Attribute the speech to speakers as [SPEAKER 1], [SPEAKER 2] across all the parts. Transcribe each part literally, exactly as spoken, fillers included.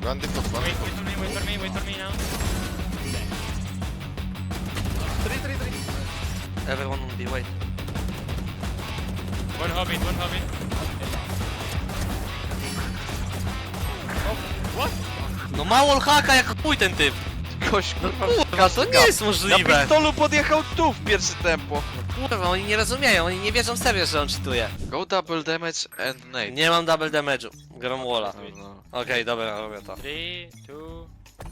[SPEAKER 1] One default, one
[SPEAKER 2] Wait,
[SPEAKER 1] default.
[SPEAKER 2] wait for me, wait for me, wait for me now.
[SPEAKER 3] Three, three, three.
[SPEAKER 4] Everyone on B, wait.
[SPEAKER 2] One hobbit, one hobbit.
[SPEAKER 4] No ma wallhacka jak chuj ten typ!
[SPEAKER 5] Gość, kurwa,
[SPEAKER 4] Kurwa, to nie jest
[SPEAKER 5] na
[SPEAKER 4] możliwe!
[SPEAKER 5] pistolu podjechał tu w pierwsze tempo.
[SPEAKER 4] Kurwa, oni nie rozumieją, oni nie wierzą serio, że on cheatuje.
[SPEAKER 5] Go double damage and nade.
[SPEAKER 4] Nie mam double damage'u, gram walla.
[SPEAKER 5] No, no.
[SPEAKER 4] Okej, dobra, robię to.
[SPEAKER 2] Three, two.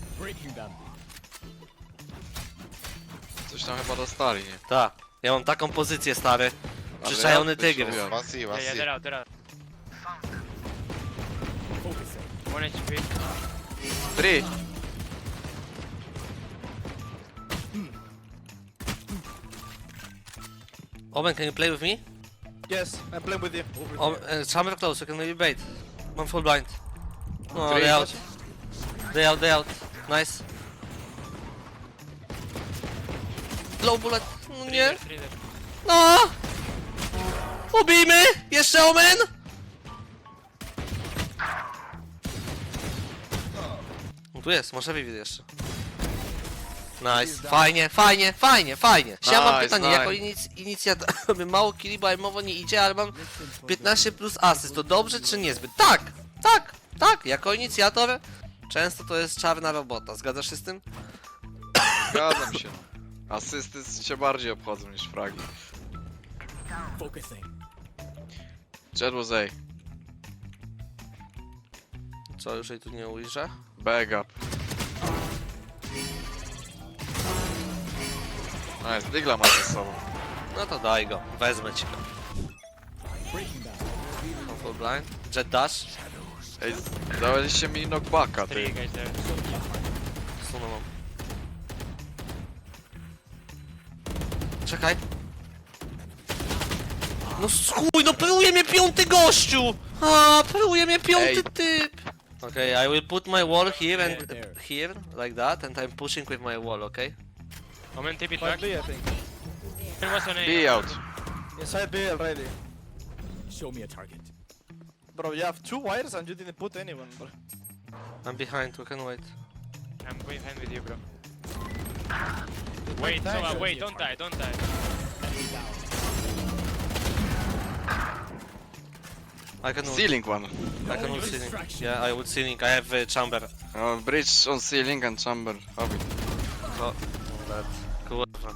[SPEAKER 5] Coś tam chyba dostali, nie?
[SPEAKER 4] Ta, ja mam taką pozycję, stary.
[SPEAKER 5] Ale
[SPEAKER 4] Przyczajony
[SPEAKER 5] jak
[SPEAKER 4] tygrys.
[SPEAKER 5] wyszło?
[SPEAKER 1] One C, one
[SPEAKER 2] Yeah, yeah,
[SPEAKER 1] C.
[SPEAKER 2] they're out, they're out. One H P.
[SPEAKER 5] Three.
[SPEAKER 4] Omen, can you play with me?
[SPEAKER 3] Yes, I'm playing with you.
[SPEAKER 4] Oh, uh, chamber close, you can maybe bait. I'm full blind. No,
[SPEAKER 5] Three.
[SPEAKER 4] they out. They out, they out. Nice. Low bullet. No
[SPEAKER 2] Three
[SPEAKER 4] nie.
[SPEAKER 2] there, three there.
[SPEAKER 4] No! Ubijmy! Jeszcze Omen! No tu jest, może Vivid jeszcze. Nice, fajnie, fajnie, fajnie, fajnie. Ja mam
[SPEAKER 5] Nice,
[SPEAKER 4] pytanie,
[SPEAKER 5] nice.
[SPEAKER 4] jako inic inicjator, mało killi, bo mowa nie idzie, ale mam piętnaście plus asyst, to dobrze czy niezbyt? Tak, tak, tak, jako inicjator często to jest czarna robota, zgadzasz się z tym?
[SPEAKER 5] Zgadzam się. Asysty się bardziej obchodzą niż fragi. Jet was A.
[SPEAKER 4] Co, już jej tu nie ujrzę?
[SPEAKER 5] Bag up. Nice, Digla ma ze sobą.
[SPEAKER 4] No to daj go, wezmę ci go. Mam full blind, jet dash,
[SPEAKER 5] Ej, daliście mi knockbacka,
[SPEAKER 2] Three
[SPEAKER 5] ty.
[SPEAKER 2] guys there.
[SPEAKER 4] sunę mam. Czekaj. No chuj, no pruje mnie piąty gościu! A, pruje mnie piąty
[SPEAKER 5] Ej.
[SPEAKER 4] typ! Okay, I will put my wall here and here, like that, and I'm pushing with my wall, okay?
[SPEAKER 2] Omen T P
[SPEAKER 3] Five
[SPEAKER 2] track.
[SPEAKER 3] B, I think.
[SPEAKER 2] There was on A.
[SPEAKER 5] B out.
[SPEAKER 3] Inside B already.
[SPEAKER 6] Show me a target.
[SPEAKER 3] Bro, you have two wires and you didn't put anyone, bro.
[SPEAKER 4] I'm behind, we can wait.
[SPEAKER 2] I'm behind with you, bro. Wait,
[SPEAKER 3] Thank
[SPEAKER 2] so, uh,
[SPEAKER 3] you.
[SPEAKER 2] wait, don't die, don't die.
[SPEAKER 4] I can ult,
[SPEAKER 5] Ceiling one.
[SPEAKER 4] I can ult ceiling. Yeah, I would ceiling, I have uh, chamber.
[SPEAKER 5] Uh, bridge on ceiling and chamber. Hobbit.
[SPEAKER 4] Oh, that. Kurwa.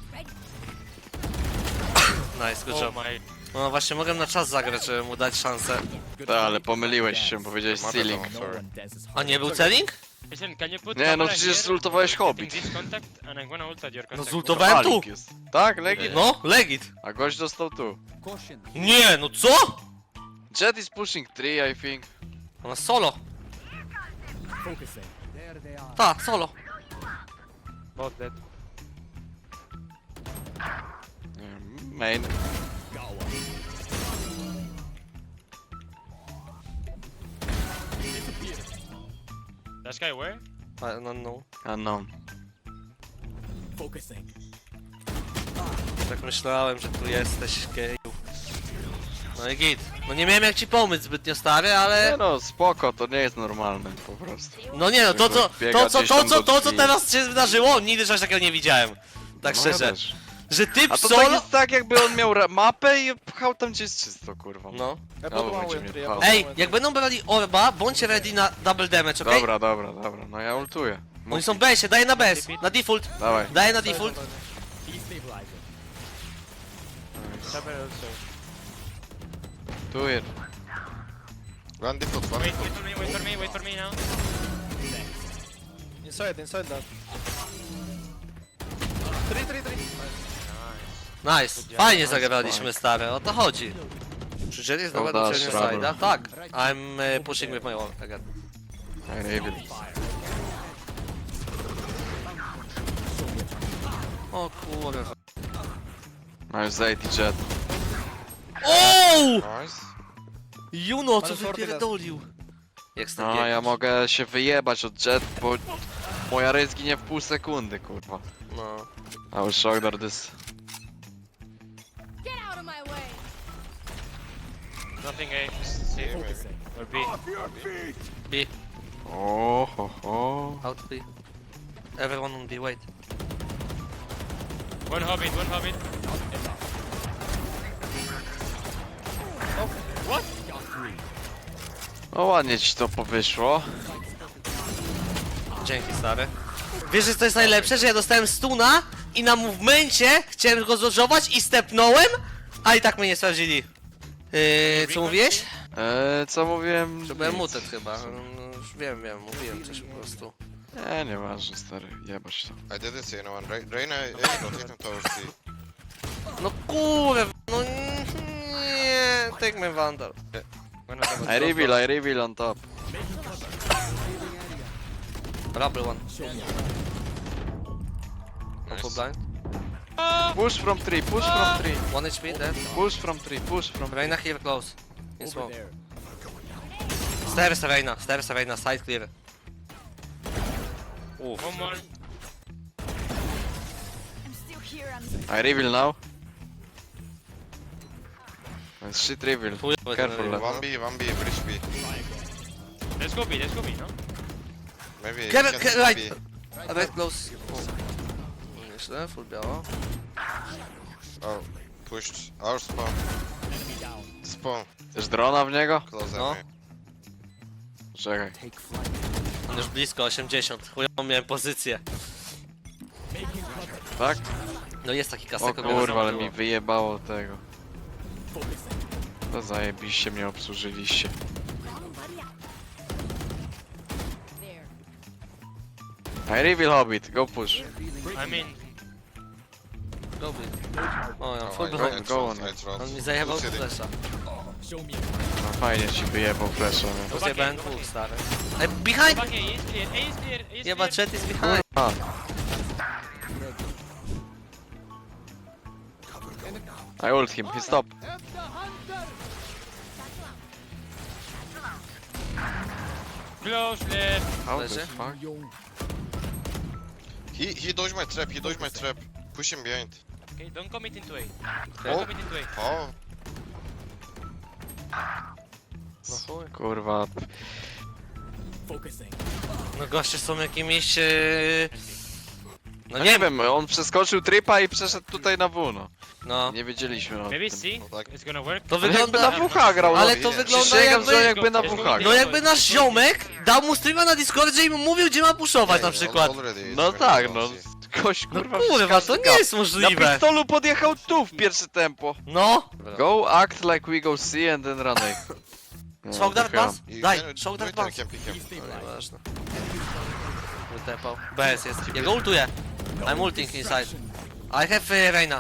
[SPEAKER 4] Nice, good
[SPEAKER 2] Oh
[SPEAKER 4] job.
[SPEAKER 2] my.
[SPEAKER 4] No właśnie, mogłem na czas zagrać, żeby mu dać szansę.
[SPEAKER 5] Tak, ale pomyliłeś się, powiedziałeś
[SPEAKER 1] Ma
[SPEAKER 5] ceiling.
[SPEAKER 1] wiadomo.
[SPEAKER 6] No one dances
[SPEAKER 4] A nie był celing?
[SPEAKER 2] Listen, can you put
[SPEAKER 5] Nie, no
[SPEAKER 2] camera
[SPEAKER 5] przecież
[SPEAKER 2] here?
[SPEAKER 5] zultowałeś
[SPEAKER 2] I'm
[SPEAKER 5] Hobbit.
[SPEAKER 2] getting this contact and I'm gonna ult at your
[SPEAKER 4] No
[SPEAKER 2] contact.
[SPEAKER 4] zultowałem tu!
[SPEAKER 5] Alik jest. Tak, legit.
[SPEAKER 4] No, legit.
[SPEAKER 5] A gość dostał tu.
[SPEAKER 6] Caution.
[SPEAKER 4] Nie, no co?
[SPEAKER 5] Jet is pushing three, I think.
[SPEAKER 4] Ona solo.
[SPEAKER 6] Focusing. There they are.
[SPEAKER 4] Ta, solo.
[SPEAKER 2] Both dead.
[SPEAKER 5] Nie, Main.
[SPEAKER 6] Got one.
[SPEAKER 2] That guy where?
[SPEAKER 4] I don't know.
[SPEAKER 5] Unknown.
[SPEAKER 6] Focusing.
[SPEAKER 4] Tak myślałem, że tu jesteś, geju. No i git. No nie miałem jak ci pomóc zbytnio, stary,
[SPEAKER 5] Nie
[SPEAKER 4] ale...
[SPEAKER 5] no, spoko, to nie jest normalne po prostu.
[SPEAKER 4] No nie no, to co,
[SPEAKER 5] Biega
[SPEAKER 4] to co,
[SPEAKER 5] gdzieś
[SPEAKER 4] to
[SPEAKER 5] tam
[SPEAKER 4] co,
[SPEAKER 5] do
[SPEAKER 4] to co
[SPEAKER 5] drzwi.
[SPEAKER 4] teraz się wydarzyło, nigdy czegoś takiego nie widziałem. Tak
[SPEAKER 5] No,
[SPEAKER 4] szczerze.
[SPEAKER 5] ja też.
[SPEAKER 4] Że typ
[SPEAKER 5] A to
[SPEAKER 4] solo...
[SPEAKER 5] tak jest tak, jakby on miał ra- mapę i pchał tam gdzie jest czysto, kurwa.
[SPEAKER 4] No.
[SPEAKER 3] I put
[SPEAKER 5] No,
[SPEAKER 3] one
[SPEAKER 5] będzie
[SPEAKER 3] with
[SPEAKER 5] mnie
[SPEAKER 3] three. I
[SPEAKER 5] pchał.
[SPEAKER 3] put
[SPEAKER 4] Ej,
[SPEAKER 3] one with
[SPEAKER 4] jak
[SPEAKER 3] three.
[SPEAKER 4] będą brali orba, bądźcie ready na double damage, okej?
[SPEAKER 5] Dobra, dobra, dobra, no ja ultuję.
[SPEAKER 4] Oni są B sie, daję na B S, na default.
[SPEAKER 5] Dawaj.
[SPEAKER 4] Daję na default.
[SPEAKER 6] Destabilizing.
[SPEAKER 2] Chamber also.
[SPEAKER 5] Do it.
[SPEAKER 1] One default, one
[SPEAKER 2] Wait,
[SPEAKER 1] default.
[SPEAKER 2] wait for me, wait for me, wait for me now.
[SPEAKER 3] Inside, inside that. Three, three, three.
[SPEAKER 4] Nice, fajnie zagraliśmy, stary, o to chodzi. Czy Jet jest
[SPEAKER 5] Oh,
[SPEAKER 4] dobra do
[SPEAKER 5] dash,
[SPEAKER 4] cienia
[SPEAKER 5] rubber.
[SPEAKER 4] side'a? Tak. I'm uh, pushing with my wall again.
[SPEAKER 5] I reveal.
[SPEAKER 4] O kurwa.
[SPEAKER 5] Masz Zayt i Jet.
[SPEAKER 4] O!
[SPEAKER 1] Nice.
[SPEAKER 4] Juno, co
[SPEAKER 3] Ale sorty
[SPEAKER 4] wypierdolił? Jak z tym
[SPEAKER 5] No,
[SPEAKER 4] biegniesz?
[SPEAKER 5] ja mogę się wyjebać od Jet, bo moja rej zginie w pół sekundy, kurwa.
[SPEAKER 4] No.
[SPEAKER 5] I was shocked at this.
[SPEAKER 7] Get out of my way!
[SPEAKER 2] Nothing A. C
[SPEAKER 6] Focusing.
[SPEAKER 2] or B.
[SPEAKER 4] B.
[SPEAKER 5] O, ho, ho.
[SPEAKER 4] Out B. Everyone on B, wait.
[SPEAKER 2] One hobbit, one hobbit.
[SPEAKER 5] No ładnie ci to powyszło.
[SPEAKER 4] Dzięki, stary. Wiesz, że to jest najlepsze, że ja dostałem stuna i na movemencie chciałem go zodżować i stepnąłem, a i tak mnie nie sprawdzili. Yy, co mówiłeś?
[SPEAKER 5] Eee, co mówiłem?
[SPEAKER 4] Że byłem
[SPEAKER 5] Nic.
[SPEAKER 4] mutet chyba. No, już wiem, wiem, mówiłem coś po prostu.
[SPEAKER 5] Nie, nieważne, stary, jebać to.
[SPEAKER 1] I didn't see anyone. Re Reina is rotating towards C.
[SPEAKER 4] No kurwa, no nie, take my Vandal.
[SPEAKER 2] One of them.
[SPEAKER 5] I reveal, I reveal on top.
[SPEAKER 4] Rubble one.
[SPEAKER 1] Nice.
[SPEAKER 4] Full blind.
[SPEAKER 5] Push from tree, push from tree.
[SPEAKER 4] One H P dead.
[SPEAKER 5] Push from tree, push from tree.
[SPEAKER 4] Reina here close. In
[SPEAKER 6] Over
[SPEAKER 4] smoke.
[SPEAKER 6] there.
[SPEAKER 4] Stairs Reina, stairs Reina, side clear. Uff.
[SPEAKER 2] One more.
[SPEAKER 7] I'm still here. I'm
[SPEAKER 5] I reveal now. Nice shit reveal.
[SPEAKER 4] Chujowy
[SPEAKER 5] Careful,
[SPEAKER 4] ten
[SPEAKER 5] lad.
[SPEAKER 1] One B, one B, bridge B.
[SPEAKER 2] Let's go B, let's go B, no?
[SPEAKER 1] Maybe you
[SPEAKER 4] Kevin,
[SPEAKER 1] can
[SPEAKER 4] Ke-
[SPEAKER 1] take
[SPEAKER 4] right.
[SPEAKER 1] B.
[SPEAKER 4] Right close. Nieźle, full biało.
[SPEAKER 1] Oh, pushed. Our spawn.
[SPEAKER 6] Enemy down.
[SPEAKER 1] Spawn.
[SPEAKER 5] Chcesz drona w niego?
[SPEAKER 1] Close
[SPEAKER 4] No.
[SPEAKER 1] enemy.
[SPEAKER 5] Czekaj.
[SPEAKER 6] Take flight.
[SPEAKER 4] On już blisko, osiemdziesiąt. Chujową miałem pozycję.
[SPEAKER 6] Making cover.
[SPEAKER 5] Tak?
[SPEAKER 4] No jest taki
[SPEAKER 5] O
[SPEAKER 4] kasek.
[SPEAKER 5] kurwa, ale mi wyjebało tego.
[SPEAKER 6] Focusing.
[SPEAKER 5] To zajebiście mnie obsłużyliście.
[SPEAKER 7] there.
[SPEAKER 5] I reveal hobbit, go push.
[SPEAKER 2] I mean,
[SPEAKER 4] Go big. O ja,
[SPEAKER 1] Oh,
[SPEAKER 4] full
[SPEAKER 1] I,
[SPEAKER 4] behind.
[SPEAKER 1] I, I
[SPEAKER 5] Go
[SPEAKER 1] trot,
[SPEAKER 5] on.
[SPEAKER 1] I trot.
[SPEAKER 4] On mi zajebał
[SPEAKER 1] Two city.
[SPEAKER 4] flesza.
[SPEAKER 6] Show me
[SPEAKER 5] No fajnie ci wyjebał flesza, nie?
[SPEAKER 4] To zjebałem dwóch, stary. Ej, behind!
[SPEAKER 2] back A, A is clear, A is clear, A is
[SPEAKER 4] Jeba,
[SPEAKER 2] clear.
[SPEAKER 4] chat is behind.
[SPEAKER 5] A, I ult him, he stop.
[SPEAKER 2] Close left.
[SPEAKER 5] How the
[SPEAKER 4] Leży.
[SPEAKER 5] fuck?
[SPEAKER 6] Young.
[SPEAKER 1] He, he dodged my trap, he dodged my trap. Push him behind.
[SPEAKER 2] Okay, don't commit into A.
[SPEAKER 1] Oh.
[SPEAKER 2] Don't commit into A.
[SPEAKER 1] Oh,
[SPEAKER 4] No chuj.
[SPEAKER 5] Kurwa.
[SPEAKER 6] Focusing.
[SPEAKER 4] No goście są jakimiś... Yy... No
[SPEAKER 5] No
[SPEAKER 4] nie
[SPEAKER 5] nie
[SPEAKER 4] wiem.
[SPEAKER 5] wiem, on przeskoczył tripa i przeszedł tutaj na W, no.
[SPEAKER 4] No.
[SPEAKER 5] Nie wiedzieliśmy o
[SPEAKER 2] Maybe
[SPEAKER 5] tym.
[SPEAKER 2] C,
[SPEAKER 1] No tak.
[SPEAKER 2] it's gonna work.
[SPEAKER 4] To
[SPEAKER 5] On jakby
[SPEAKER 4] wygląda...
[SPEAKER 5] na W H grał, no.
[SPEAKER 4] Ale to
[SPEAKER 1] nie.
[SPEAKER 4] wygląda
[SPEAKER 5] Przysięgam, że
[SPEAKER 4] jakby...
[SPEAKER 5] jakby na
[SPEAKER 2] Let's
[SPEAKER 5] W
[SPEAKER 2] go,
[SPEAKER 5] H
[SPEAKER 2] let's
[SPEAKER 4] No
[SPEAKER 5] grał.
[SPEAKER 4] jakby nasz ziomek dał mu streama na Discordzie i mu mówił, gdzie ma puszować na
[SPEAKER 1] yeah,
[SPEAKER 4] przykład.
[SPEAKER 1] already it's
[SPEAKER 5] No
[SPEAKER 1] been
[SPEAKER 5] tak,
[SPEAKER 1] on
[SPEAKER 5] no.
[SPEAKER 1] C.
[SPEAKER 5] Gość
[SPEAKER 4] No
[SPEAKER 5] kurwa
[SPEAKER 4] kurwa,
[SPEAKER 5] każdy
[SPEAKER 4] to nie
[SPEAKER 5] gap.
[SPEAKER 4] jest
[SPEAKER 5] Na
[SPEAKER 4] możliwe.
[SPEAKER 5] pistolu podjechał tu w pierwsze tempo.
[SPEAKER 4] No.
[SPEAKER 5] Go act like we go C and then run A. No,
[SPEAKER 4] Shock dart
[SPEAKER 5] trochę.
[SPEAKER 4] pass?
[SPEAKER 1] You
[SPEAKER 4] Daj,
[SPEAKER 1] can-
[SPEAKER 4] shock dart
[SPEAKER 1] wait, I
[SPEAKER 4] pass.
[SPEAKER 1] can pick him.
[SPEAKER 4] No nieważne. Wytepał. B S jest. Ja go ultuję. I'm ulting inside. I have uh, Reina.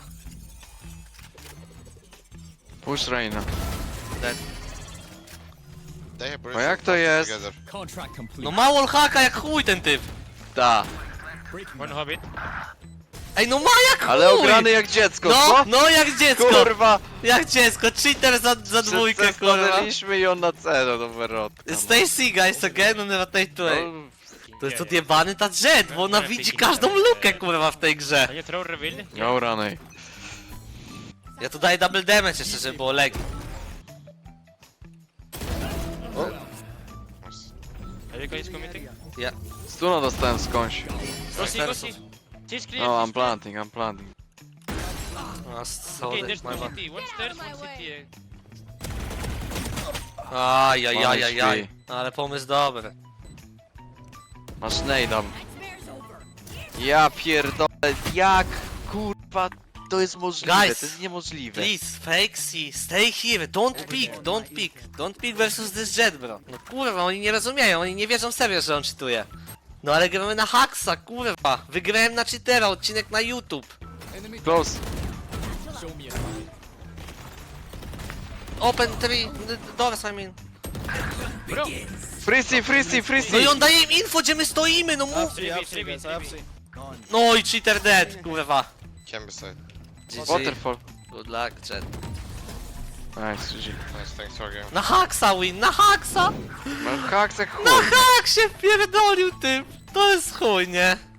[SPEAKER 5] Push Reina.
[SPEAKER 4] Dead.
[SPEAKER 1] They have
[SPEAKER 5] No jak to jest?
[SPEAKER 1] together.
[SPEAKER 6] Contract complete.
[SPEAKER 4] No ma wallhacka jak chuj ten typ.
[SPEAKER 5] Da.
[SPEAKER 6] Breaking
[SPEAKER 2] One hobbit.
[SPEAKER 4] Ej, no ma jak chuj!
[SPEAKER 5] Ale ograny jak dziecko,
[SPEAKER 4] No,
[SPEAKER 5] co?
[SPEAKER 4] no jak dziecko!
[SPEAKER 5] Kurwa!
[SPEAKER 4] Jak dziecko, cheater za, za dwójkę, kurwa.
[SPEAKER 5] Stanęliśmy i on na C, no wyrodka. no.
[SPEAKER 4] Stay C guys again on rotate to A.
[SPEAKER 5] No,
[SPEAKER 4] To jest odjebany ta jet, bo ona widzi każdą lukę, kurwa, w tej grze.
[SPEAKER 2] Can you throw reveal?
[SPEAKER 5] Go run A.
[SPEAKER 4] Ja tu daję double damage jeszcze, żeby było legi.
[SPEAKER 2] Are you guys committing?
[SPEAKER 4] Ja.
[SPEAKER 5] Stuna dostałem skądś.
[SPEAKER 2] Go C, go C.
[SPEAKER 4] Stairsów.
[SPEAKER 2] She's clear.
[SPEAKER 5] No,
[SPEAKER 2] she's
[SPEAKER 5] I'm
[SPEAKER 2] clear.
[SPEAKER 5] planting, I'm planting.
[SPEAKER 4] A,
[SPEAKER 2] Okay,
[SPEAKER 4] sorry,
[SPEAKER 2] there's
[SPEAKER 4] my
[SPEAKER 2] two
[SPEAKER 4] bad.
[SPEAKER 2] city. One stairs, one city.
[SPEAKER 4] Ajajajajaj. Ale pomysł dobry.
[SPEAKER 5] Masz nade.
[SPEAKER 7] Nightmare's over.
[SPEAKER 5] Ja pierdolę, jak kurwa to jest możliwe,
[SPEAKER 4] Guys,
[SPEAKER 5] to jest niemożliwe.
[SPEAKER 4] Please, fake C, stay here, don't pick, don't pick, don't pick versus this jet, bro. No kurwa, oni nie rozumieją, oni nie wierzą serio, że on cheatuje. No ale gramy na Haxa, kurwa. Wygrałem na cheatera, odcinek na YouTube.
[SPEAKER 5] Close.
[SPEAKER 6] Show me a target.
[SPEAKER 4] Open three, d- doors I mean.
[SPEAKER 5] Freezy, freezy,
[SPEAKER 4] No
[SPEAKER 5] freezy!
[SPEAKER 4] i on daje im info, gdzie my stoimy, no mów.
[SPEAKER 3] Upsy, upsy, guys, upsy.
[SPEAKER 4] No i cheater dead, kurwa.
[SPEAKER 1] Can be side.
[SPEAKER 4] G G.
[SPEAKER 5] Waterfall.
[SPEAKER 4] Good luck, jet.
[SPEAKER 5] Nice, G G.
[SPEAKER 1] Nice, thanks for game.
[SPEAKER 4] Na Haxa win, na Haxa!
[SPEAKER 5] Mam haks jak chuj.
[SPEAKER 4] Na Haxie pierdolił typ! To jest chuj, nie?